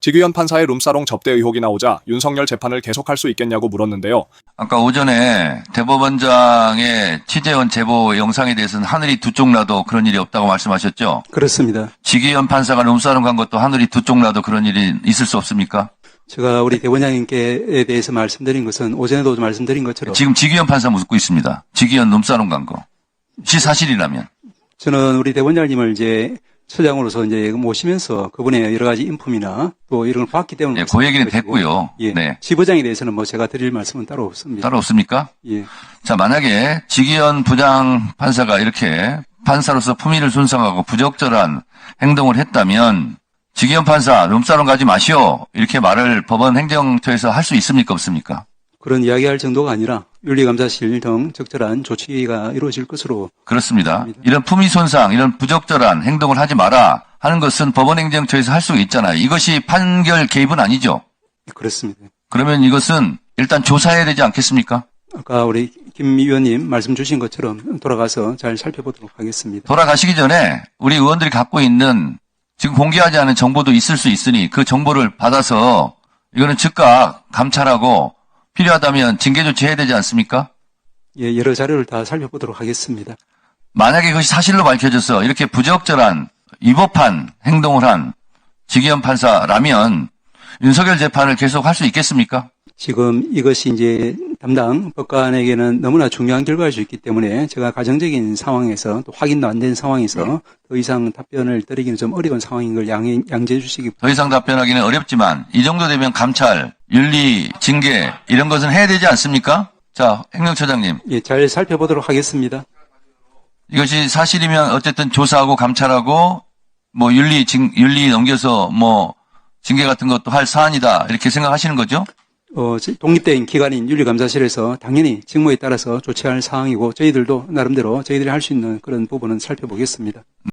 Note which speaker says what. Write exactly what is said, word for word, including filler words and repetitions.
Speaker 1: 지규현 판사의 룸사롱 접대 의혹이 나오자 윤석열 재판을 계속할 수 있겠냐고 물었는데요.
Speaker 2: 아까 오전에 대법원장의 취재원 제보 영상에 대해서는 하늘이 두 쪽 나도 그런 일이 없다고 말씀하셨죠?
Speaker 3: 그렇습니다.
Speaker 2: 지규현 판사가 룸사롱 간 것도 하늘이 두 쪽 나도 그런 일이 있을 수 없습니까?
Speaker 3: 제가 우리 대법원장님께 대해서 말씀드린 것은 오전에도 말씀드린 것처럼
Speaker 2: 지금 지규현 판사 묻고 있습니다. 지규현 룸사롱 간 거. 시 사실이라면.
Speaker 3: 저는 우리 대법원장님을 이제 처장으로서 이제 모시면서 그분의 여러 가지 인품이나 또 이런 걸 봤기 때문에.
Speaker 2: 네, 그 얘기는 됐고요.
Speaker 3: 예.
Speaker 2: 네.
Speaker 3: 지부장에 대해서는 뭐 제가 드릴 말씀은 따로 없습니다.
Speaker 2: 따로 없습니까?
Speaker 3: 예.
Speaker 2: 자, 만약에 지기현 부장 판사가 이렇게 판사로서 품위를 손상하고 부적절한 행동을 했다면 지기현 판사 룸사롱 가지 마시오 이렇게 말을 법원 행정처에서 할 수 있습니까 없습니까?
Speaker 3: 그런 이야기할 정도가 아니라 윤리감사실 등 적절한 조치가 이루어질 것으로.
Speaker 2: 그렇습니다.
Speaker 3: 합니다.
Speaker 2: 이런 품위 손상, 이런 부적절한 행동을 하지 마라 하는 것은 법원 행정처에서 할 수 있잖아요. 이것이 판결 개입은 아니죠.
Speaker 3: 그렇습니다.
Speaker 2: 그러면 이것은 일단 조사해야 되지 않겠습니까?
Speaker 3: 아까 우리 김 의원님 말씀 주신 것처럼 돌아가서 잘 살펴보도록 하겠습니다.
Speaker 2: 돌아가시기 전에 우리 의원들이 갖고 있는 지금 공개하지 않은 정보도 있을 수 있으니 그 정보를 받아서 이거는 즉각 감찰하고 필요하다면 징계 조치해야 되지 않습니까?
Speaker 3: 예, 여러 자료를 다 살펴보도록 하겠습니다.
Speaker 2: 만약에 그것이 사실로 밝혀져서 이렇게 부적절한 위법한 행동을 한 지기현 판사라면 윤석열 재판을 계속 할 수 있겠습니까?
Speaker 3: 지금 이것이 이제 담당 법관에게는 너무나 중요한 결과일 수 있기 때문에 제가 가정적인 상황에서 또 확인도 안 된 상황에서 더 이상 답변을 드리기는 좀 어려운 상황인 걸 양해, 양지해 주시기.
Speaker 2: 더 이상 답변하기는 어렵지만 이 정도 되면 감찰, 윤리, 징계 이런 것은 해야 되지 않습니까? 자, 행정처장님.
Speaker 3: 예, 잘 살펴보도록 하겠습니다.
Speaker 2: 이것이 사실이면 어쨌든 조사하고 감찰하고 뭐 윤리, 징, 윤리 넘겨서 뭐 징계 같은 것도 할 사안이다 이렇게 생각하시는 거죠?
Speaker 3: 어, 독립된 기관인 윤리감사실에서 당연히 직무에 따라서 조치할 사항이고 저희들도 나름대로 저희들이 할 수 있는 그런 부분은 살펴보겠습니다.